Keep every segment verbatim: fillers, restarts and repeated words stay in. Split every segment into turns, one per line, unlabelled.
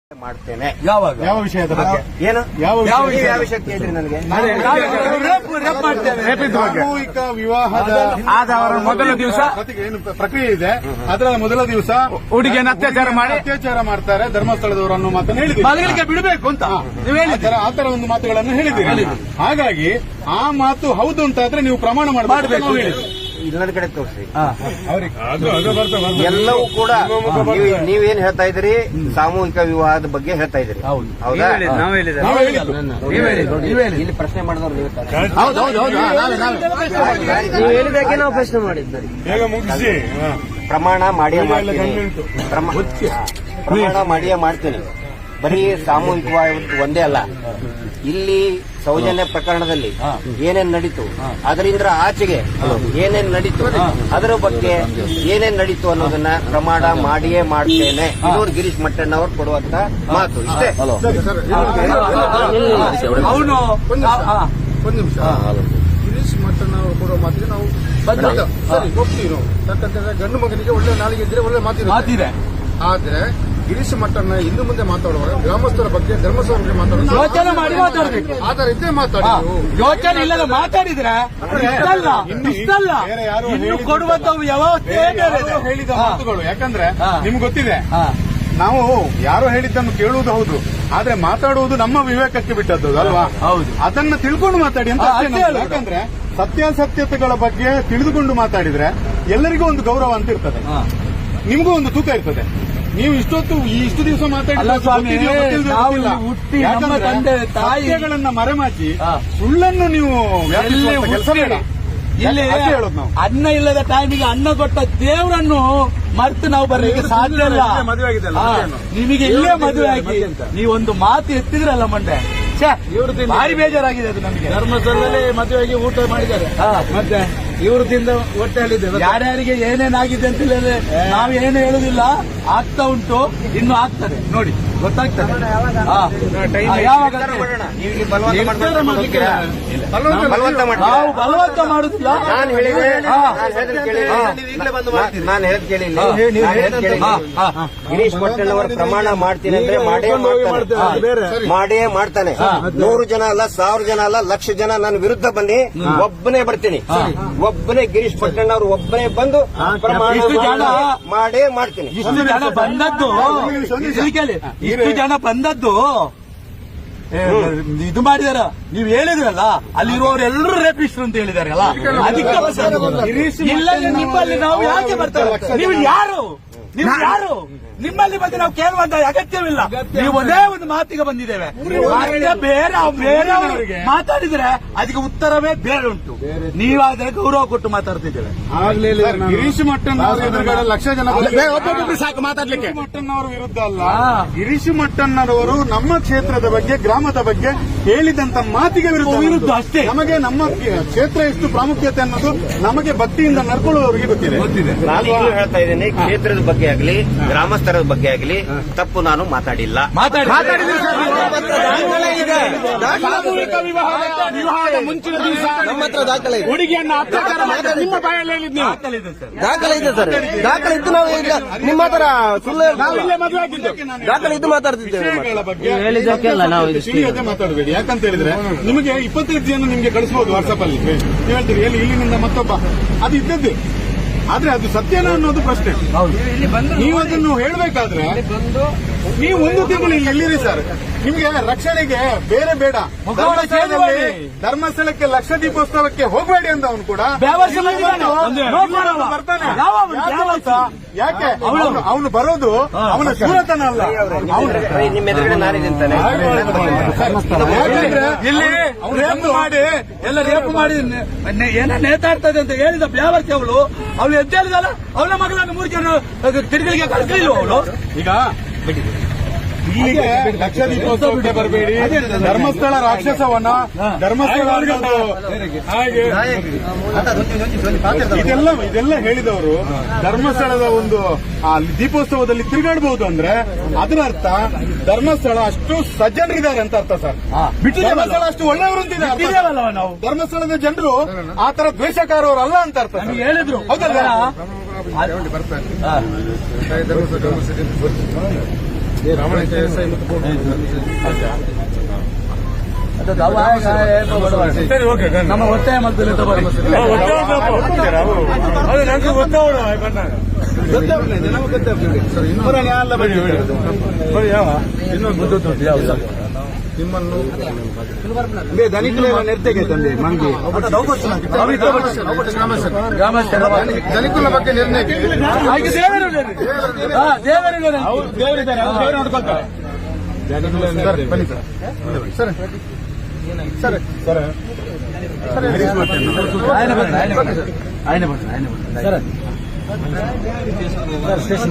ಮಾಡ್ತೇನೆ.
ಯಾವಾಗ
ಯಾವ ವಿಷಯದ ಬಗ್ಗೆ?
ಏನು
ಯಾವ
ಯಾವ
ವಿಷಯ?
ಯಾವ ವಿಷಯ ಕೇಳಿದ್ರಿ ನನಗೆ?
ಸಾಮೂಹಿಕ ವಿವಾಹದ
ಆದ ಅವರ ಮೊದಲ ದಿವಸ
ಪ್ರತಿ- ಏನು ಪ್ರಕ್ರಿಯೆ ಇದೆ. ಅದರ ಮೊದಲ ದಿವಸ
ಹುಡುಗಿಯನ್ನು ಅತ್ಯಾಚಾರ ಮಾಡಿ
ಅತ್ಯಾಚಾರ ಮಾಡ್ತಾರೆ ಧರ್ಮಸ್ಥಳದವರು ಅನ್ನೋ ಮಾತನ್ನು ಹೇಳಿದ್ದೀರಿ.
ಮಗಳಿಗೆ ಬಿಡಬೇಕು ಅಂತ ನೀವು
ಆ
ಹೇಳಿದ್ದೀರಿ.
ತರ- ಆ ತರ ಒಂದು ಮಾತುಗಳನ್ನು ಹೇಳಿದ್ದೀರಿ. ಹಾಗಾಗಿ ಆ ಮಾತು ಹೌದು ಅಂತ ಆದ್ರೆ ನೀವು ಪ್ರಮಾಣ ಮಾಡಬೇಕು.
ಇನ್ನೊಂದು ಕಡೆ ತೋರಿಸಿ.
ಅವ್ರಿಗೆ
ಎಲ್ಲವೂ ಕೂಡ ನೀವು- ನೀವೇನ್ ಹೇಳ್ತಾ ಇದ್ದೀರಿ? ಸಾಮೂಹಿಕ ವಿವಾಹದ ಬಗ್ಗೆ ಹೇಳ್ತಾ ಇದ್ದೀರಿ.
ಹೌದು.
ಹೌದಾ?
ನಾವು ಹೇಳಿದ್ದು.
ಇಲ್ಲಿ ಪ್ರಶ್ನೆ ಮಾಡಿದವ್ರು ನೀವು ತಾನೇ?
ಹೌದು ಹೌದು ಹೌದು ನಾವೇ ನಾವೇ
ನೀವು ಹೇಳಿದಾಗೆ ನಾವು ಪ್ರಶ್ನೆ ಮಾಡಿದ್ದೀರಿ.
ಬೇಗ ಮುಗಿಸಿ.
ಪ್ರಮಾಣ ಮಾಡಿಯೇ ಮಾಡ್ತೀನಿ. ಪ್ರಮ- ಪ್ರಮಾಣ ಮಾಡಿಯೇ ಮಾಡ್ತೀನಿ. ಬರೀ ಸಾಮೂಹಿಕವಾಗಿ ಒಂದೇ ಅಲ್ಲ, ಇಲ್ಲಿ ಸೌಜನ್ಯ ಪ್ರಕರಣದಲ್ಲಿ ಏನೇನ್ ನಡೀತು, ಅದರಿಂದ ಆಚೆಗೆ ಏನೇನ್ ನಡೀತು, ಅದರ ಬಗ್ಗೆ ಏನೇನ್ ನಡೀತು ಅನ್ನೋದನ್ನ ಪ್ರಮಾಣ ಮಾಡಿಯೇ ಮಾಡ್ತೇನೆ. ಇದು ಗಿರೀಶ್ ಮಟ್ಟಣ್ಣವ್ರು ಕೊಡುವಂತ ಮಾತು. ಇಷ್ಟೇ.
ಅವನು
ಒಂದು ನಿಮಿಷ. ಗಿರೀಶ್ ಮಟ್ಟಣ್ಣ ಅವರು ಕೊಡೋ ಮಾತಿಗೆ ನಾವು
ಬದ್ಧ.
ಸರಿ ಹೋಗ್ತೀವಿ ನಾವು. ಯಾಕಂತಂದ್ರೆ ಗಂಡು ಮಗನಿಗೆ ಒಳ್ಳೆ ನಾಲಿಗೆ ಇದ್ರೆ ಒಳ್ಳೆ ಮಾತಿರುತ್ತೆ.
ಮಾತಿದೆ.
ಆದ್ರೆ ಗಿರೀಶ್ ಮಟ್ಟಣ್ಣ ಇನ್ನು ಮುಂದೆ ಮಾತಾಡುವಾಗ ಗ್ರಾಮಸ್ಥರ ಬಗ್ಗೆ ಧರ್ಮಸ್ಥರ ಬಗ್ಗೆ ಮಾತಾಡೋದು
ಯೋಚನೆ ಮಾಡಿ ಮಾತಾಡ್ಬೇಕು.
ಆತರ ಇದ್ದೇ ಮಾತಾಡಿ ನೀವು.
ಯೋಚನೆ ಇಲ್ಲದ ಮಾತಾಡಿದ್ರೆ ಇಷ್ಟಲ್ಲ ಇಷ್ಟಲ್ಲ
ಬೇರೆ ಯಾರು
ಇನ್ನು
ಹೇಳಿದ್ದು
ಕೊಡುವಂತ ವ್ಯವಸ್ಥೆ ಬೇರೆ ಇದೆ.
ಯಾರೋ ಹೇಳಿದ
ಹಾ.
ಮಾತುಗಳು. ಯಾಕಂದ್ರೆ
ಹಾ.
ನಿಮ್ಗೆ ಗೊತ್ತಿದೆ,
ಹಾ.
ನಾವು ಯಾರೋ ಹೇಳಿದ್ದನ್ನು ಕೇಳುವುದು ಹೌದು, ಆದ್ರೆ ಮಾತಾಡುವುದು ನಮ್ಮ ವಿವೇಕಕ್ಕೆ ಬಿಟ್ಟದ್ದು ಅಲ್ವಾ?
ಹೌದು.
ಅದನ್ನ ತಿಳ್ಕೊಂಡು ಮಾತಾಡಿ ಅಂತ
ಹಾ,
ಅಷ್ಟೇ
ಅಷ್ಟೇ
ನಮ್ದು.
ಹೇಳೋದು.
ಯಾಕಂದ್ರೆ ಸತ್ಯಾಸತ್ಯತೆಗಳ ಬಗ್ಗೆ ತಿಳಿದುಕೊಂಡು ಮಾತಾಡಿದ್ರೆ ಎಲ್ಲರಿಗೂ ಒಂದು ಗೌರವ ಅಂತ ಇರ್ತದೆ,
ಹಾ.
ನಿಮಗೂ ಒಂದು ತೂಕ ಇರ್ತದೆ. ನೀವು ಇಷ್ಟೊತ್ತು ಈ ಇಷ್ಟು ದಿವಸ
ಅಲ್ಲ
ಮಾತಾಡಿಲ್ಲ
ಸ್ವಾಮಿ, ನಾವು ಹುಟ್ಟಿ ನಮ್ಮ ತಂದೆ ತಾಯಿ
ಸತ್ಯಗಳನ್ನ ಮರೆಮಾಚಿ
ಹಾ.
ಸುಳ್ಳನ್ನು ನೀವು ವ್ಯಾಪಿಸುವಂತ
ಎಲ್ಲಿ
ಕೆಲಸ
ಹುಟ್ಟಿ?
ಬೇಡ.
ಇಲ್ಲಿ
ಅಷ್ಟೇ ಹೇಳೋದು ನಾವು.
ಅನ್ನ ಇಲ್ಲದ ಟೈಮಿಗೆ ಅನ್ನ ಕೊಟ್ಟ ದೇವರನ್ನು ಮರೆತು ನಾವು ಬರ್ಲಿಕ್ಕೆ ಸಾಧ್ಯ ಇಲ್ಲ. ಹಾ, ನಿಮಗೆ ಇಲ್ಲೇ ಮದುವೆ ಆಗಿ ನೀವೊಂದು ಮಾತು ಎತ್ತಿದ್ರಲ್ಲ ಮಂಡೆ, ಛೆ, ಭಾರಿ ಬೇಜಾರಾಗಿದೆ ಅದು ನಮಗೆ.
ಧರ್ಮಸ್ಥಳದಲ್ಲಿ ಮದುವೆಗೆ ಊಟ ಮಾಡಿದ್ದಾರೆ.
ಹಾ, ಮತ್ತೆ
ಇವ್ರ ತಿಂದ ಹೊಟ್ಟೆಯಲ್ಲಿದೆ.
ಯಾರ್ಯಾರಿಗೆ ಏನೇನಾಗಿದೆ ಅಂತ ಹೇಳಿದ್ರೆ ನಾವು ಏನು ಹೇಳುದಿಲ್ಲ. ಆಗ್ತಾ ಉಂಟು, ಇನ್ನು ಆಗ್ತದೆ ನೋಡಿ, ಗೊತ್ತಾಗ್ತದೆ. ಹಾ. ಹಾ, ಯಾವಾಗ
ಮಾಡೋಣ. ನೀವು ಇಲ್ಲಿ ಬಲವಂತ
ನಿರ್ಧಾರ
ಮಾಡ್ಕೊಂಡು
ಮಾಡ್ಲಿಕ್ಕೆ
ಹೋಗ್ತೀರಾ?
ಇಲ್ಲ.
ಬಲವಂತ ಮಾಡ್ತೀರಾ?
ನಾವು ಬಲವಂತ ಮಾಡುದಿಲ್ಲ.
ನಾನು ಹೇಳಿದ್ರೆ
ಹಾ.
ನಾನು ಹೇಳಿದ್ರೆ ಕೇಳಿ.
ಹಾ.
ನಾನು ಹೇಳಿದ್ ಕೇಳಿಲ್ಲ.
ಹಾ.
ನಾನು ಹೇಳಿದ್ ಕೇಳಿಲ್ಲ.
ಹಾ, ಹಾ.
ಗಿರೀಶ್ ಮಟ್ಟಣ್ಣವರ ಪ್ರಮಾಣ ಮಾಡ್ತೀನಿ ಅಂದ್ರೆ ಮಾಡೇ ಮಾಡ್ತಾನೆ.
ಬೇರೆ.
ಮಾಡೇ ಮಾಡ್ತಾನೆ. ನೂರು ಜನ ಅಲ್ಲ, ಸಾವಿರ ಜನ ಅಲ್ಲ, ಲಕ್ಷ ಜನ ನನ್ನ ವಿರುದ್ಧ ಬನ್ನಿ, ಒಬ್ಬನೇ ಬರ್ತೀನಿ. ಒಬ್ಬನೇ ಗಿರೀಶ್ ಮಟ್ಟಣ್ಣವ್ರು ಒಬ್ಬನೇ ಬಂದು ಪ್ರಮಾಣ
ಇಷ್ಟು ಜನ
ಮಾಡೇ ಮಾಡ್ತೀನಿ.
ಇಷ್ಟು ಜನ ಬಂದದ್ದು ಇಲ್ಲಿ ಕೇಳಿ, ಇಷ್ಟು ಜನ ಬಂದದ್ದು ಏ, ಇದು ಮಾಡಿದಾರ. ನೀವು ಹೇಳಿದ್ರಲ್ಲ, ಅಲ್ಲಿರುವವರೆಲ್ಲರೂ ರೇಪಿಸ್ಟ್ರು ಅಂತ ಹೇಳಿದಾರಲ್ಲ, ಅದಕ್ಕೆ ಬಂದದ್ದು. ಇಲ್ಲ ನಿಮ್ಮಲ್ಲಿ ನಾವು ಯಾಕೆ ಬರ್ತೇವೆ? ನೀವು ಯಾರು? ನೀವು ಯಾರು? ನಿಮ್ಮಲ್ಲಿ ಬಂದು ನಾವು ಕೇಳುವಂತ ಅಗತ್ಯವಿಲ್ಲ. ನೀವು ಒಂದೇ ಒಂದು ಮಾತಿಗೆ ಬಂದಿದ್ದೇವೆ. ಮತ್ತೆ ಬೇರೆ ಬೇರೆ ಮಾತಾಡಿದ್ರೆ ಅದಕ್ಕೆ ಉತ್ತರವೇ ಬೇರೆ ಉಂಟು. ನೀವಾದ್ರೆ ಗೌರವ ಕೊಟ್ಟು ಮಾತಾಡ್ತಿದ್ದೇವೆ.
ಸರ್, ಗಿರೀಶ್ ಮಟ್ಟಣ್ಣವರ ಎದುರುಗಡೆ ಲಕ್ಷ ಜನ
ಒಬ್ಬೊಬ್ಬರು ಸಾಕು ಮಾತಾಡ್ಲಿಕ್ಕೆ.
ಗಿರೀಶ್ ಮಟ್ಟಣ್ಣವರ ವಿರುದ್ಧ ಅಲ್ಲ,
ಹಾ.
ಗಿರೀಶ್ ಮಟ್ಟಣ್ಣರವರು ನಮ್ಮ ಕ್ಷೇತ್ರದ ಬಗ್ಗೆ, ಗ್ರಾಮದ ಬಗ್ಗೆ ಹೇಳಿದಂತ ಮಾತಿಗೆ ವಿರುದ್ಧ
ವಿರುದ್ಧ ಅಷ್ಟೇ.
ನಮಗೆ ನಮ್ಮ ಕ್ಷೇತ್ರ ಎಷ್ಟು ಪ್ರಾಮುಖ್ಯತೆ ಅನ್ನೋದು ನಮಗೆ ಭಕ್ತಿಯಿಂದ ನಡ್ಕೊಳ್ಳುವವರಿಗೆ ಗೊತ್ತಿದೆ.
ನಾನು ಈಗಲೂ ಹೇಳ್ತಾ ಇದ್ದೀನಿ, ಕ್ಷೇತ್ರದ ಬಗ್ಗೆ ಆಗಲಿ, ಗ್ರಾಮಸ್ಥರ ಬಗ್ಗೆ ಆಗಲಿ ತಪ್ಪು ನಾನು ಮಾತಾಡಿಲ್ಲ.
ಮಾತಾಡಿ
ಸಾಮೂಹಿಕ ವಿವಾಹದ ವಿವಾಹದ ಮುಂಚಿನ ದಿವಸ
ನಮ್ಮ ಹತ್ರ ದಾಖಲೆ ಇದೆ.
ಹುಡುಗಿಯನ್ನ ಅತ್ಯಾಚಾರ ಮಾಡಿದ ನಿಮ್ಮ ಬಾಯಲ್ಲಿ ಹೇಳಿದ್ ನೀವು.
ದಾಖಲೆ ಇದೆ ಸರ್. ದಾಖಲೆ ಇದ್ದು ನಾವು ಈಗ ನಿಮ್ಮ ಹತ್ರ ಸುಳ್ಳು
ನಾವು ಇಲ್ಲೇ ಮದುವೆ ಆಗಿದ್ದು.
ದಾಖಲೆ ಇದ್ದು ಮಾತಾಡ್ತಿದ್ದೇವೆ.
ವಿಷಯಗಳ ಬಗ್ಗೆ ತಿಳಿಯದೆ ಮಾತಾಡಬೇಡಿ. ಯಾಕಂತ ಹೇಳಿದ್ರೆ ನಿಮಗೆ ಇಪ್ಪತ್ತೈದು ಜನ ನಿಮ್ಗೆ ಕಳಿಸಬಹುದು ವಾಟ್ಸ್ಆಪ್ ಅಲ್ಲಿ. ನೀವು ಹೇಳ್ತೀರಿ ಎಲ್ಲಿ ಇಲ್ಲಿನಿಂದ ಮತ್ತೊಬ್ಬ, ಅದು ಇದ್ದದ್ದೇ. ಆದ್ರೆ ಅದು ಸತ್ಯನ ಅನ್ನೋದು ಪ್ರಶ್ನೆ. ನೀವು ಅದನ್ನು ಹೇಳಬೇಕಾದ್ರೆ ನೀವು ಒಂದು ತಿಂಗಳು ಇಲ್ಲಿ ಎಲ್ಲಿರಿ ಸರ್? ನಿಮಗೆ ರಕ್ಷಣೆಗೆ ಬೇರೆ ಬೇಡ. ಧರ್ಮಸ್ಥಳದಲ್ಲಿ ಧರ್ಮಸ್ಥಳಕ್ಕೆ ಲಕ್ಷ ದೀಪೋತ್ಸವಕ್ಕೆ ಹೋಗಬೇಡಿ ಅಂತ ಅವನು ಕೂಡ ಬರ್ತಾನೆ. ಯಾಕೆ ಅವನು ಬರೋದು ಅವನ ಸೂರತನ ಅಲ್ಲ.
ನಿಮ್ಮ ಎದುರುಗಡೆ ನಾನಿದ್ದಂತಾನೆ.
ಇಲ್ಲಿ ರೇಪ್ ಮಾಡಿ ಎಲ್ಲ ರೇಪ್ ಮಾಡಿ ಏನ ನೇತಾಡ್ತದೆ ಅಂತ ಹೇಳಿದ ಬ್ಯಾವರ್ತಿ ಅವಳು ಅವಳು ಎದ್ದೇಳಿದಲ್ಲ, ಅವಳ ಮಗಳನ್ನು ಮೂರು ಜನ ತಿರುಗಲಿಗೆ ಕಳಿಸಲಿಲ್ಲ ಅವಳು.
ಈಗ ಇಲ್ಲಿಗೆ ಲಕ್ಷ ದೀಪೋತ್ಸವಕ್ಕೆ ಬರಬೇಡಿ. ಧರ್ಮಸ್ಥಳ ರಾಕ್ಷಸವನ, ಧರ್ಮಸ್ಥಳ ಹಾಗೆ ಇದೆಲ್ಲ ಇದೆಲ್ಲ ಹೇಳಿದವರು ಧರ್ಮಸ್ಥಳದ ಒಂದು ಆ ದೀಪೋತ್ಸವದಲ್ಲಿ ತಿರುಗಾಡಬಹುದು ಅಂದ್ರೆ ಅದರ ಅರ್ಥ ಧರ್ಮಸ್ಥಳ ಅಷ್ಟು ಸಜ್ಜನರಿದ್ದಾರೆ ಅಂತ ಅರ್ಥ ಸರ್. ಧರ್ಮಸ್ಥಳ ಅಷ್ಟು ಒಳ್ಳೆಯವರು ಅಂತಿದ್ದಾರೆ.
ನಾವು
ಧರ್ಮಸ್ಥಳದ ಜನರು ಆ ತರ ದ್ವೇಷಕಾರವರು ಅಲ್ಲ ಅಂತ ಅರ್ಥ ಸರ್.
ಹೇಳಿದ್ರು.
ಹೌದಲ್ಲ?
ಬರ್ತಾರೆ ಧರ್ಮಸ್ಥಳ ಪ್ರಾಮಾಣಿಕ ಎಸ್ ಐ ಮತ್ತು
ಸರಿ ಓಕೆ ನಮ್ಮ ಒತ್ತಾಯ ಮಾಡ್ತಾರೆ ತಗೊಳ್ಳಿ ಅದು ನನಗೆ ಗೊತ್ತಾವಣ ಬಂದಾಗ
ಸರ್ ಇನ್ನೊಂದು
ಯಾವ
ನಿಮ್ಮನ್ನು
ನೆರ್ತೆಗೆ ತಂದೆ ಮಂಗಿ
ಧನಿಕುಲ ಬಗ್ಗೆ ನಿರ್ಣಯಕ್ಕೆ ಸರ್ ಬನ್ನಿ ಸರ್ ಸರ್ ಸರ್ ಸರ್
ಆಯ್ನೆ ಬಂದ್ರೆ ಆಯ್ನೆ ಬಂದ್ರೆ ಆಯ್ನೆ ಬಂದ್ರೆ ಆಯ್ನೆ ಬಂದ್ರೆ ಸರ್ ಸ್ಟೇಷನ್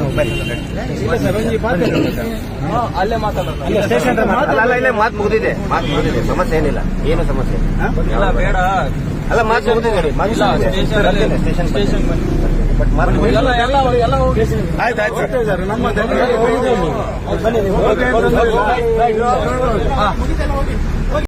ಅಲ್ಲೇ ಮಾತಾಡೋದು ಸ್ಟೇಷನ್
ಅಲ್ಲ ಇಲ್ಲೇ ಮಾತು ಮುಗಿದಿದೆ ಮಾತು ಮುಗಿದಿದೆ ಸಮಸ್ಯೆ ಏನಿಲ್ಲ ಏನು ಸಮಸ್ಯೆ
ಎಲ್ಲ ಬೇಡ
ಅಲ್ಲ ಮಾತು ಮುಗಿದಿದೆ ಸ್ಟೇಷನ್ ಸ್ಟೇಷನ್ ಬಟ್ ಮಾತು
ಎಲ್ಲ ಎಲ್ಲ ಎಲ್ಲ ಆಯ್ತು ಆಯ್ತು ನಮ್ಮ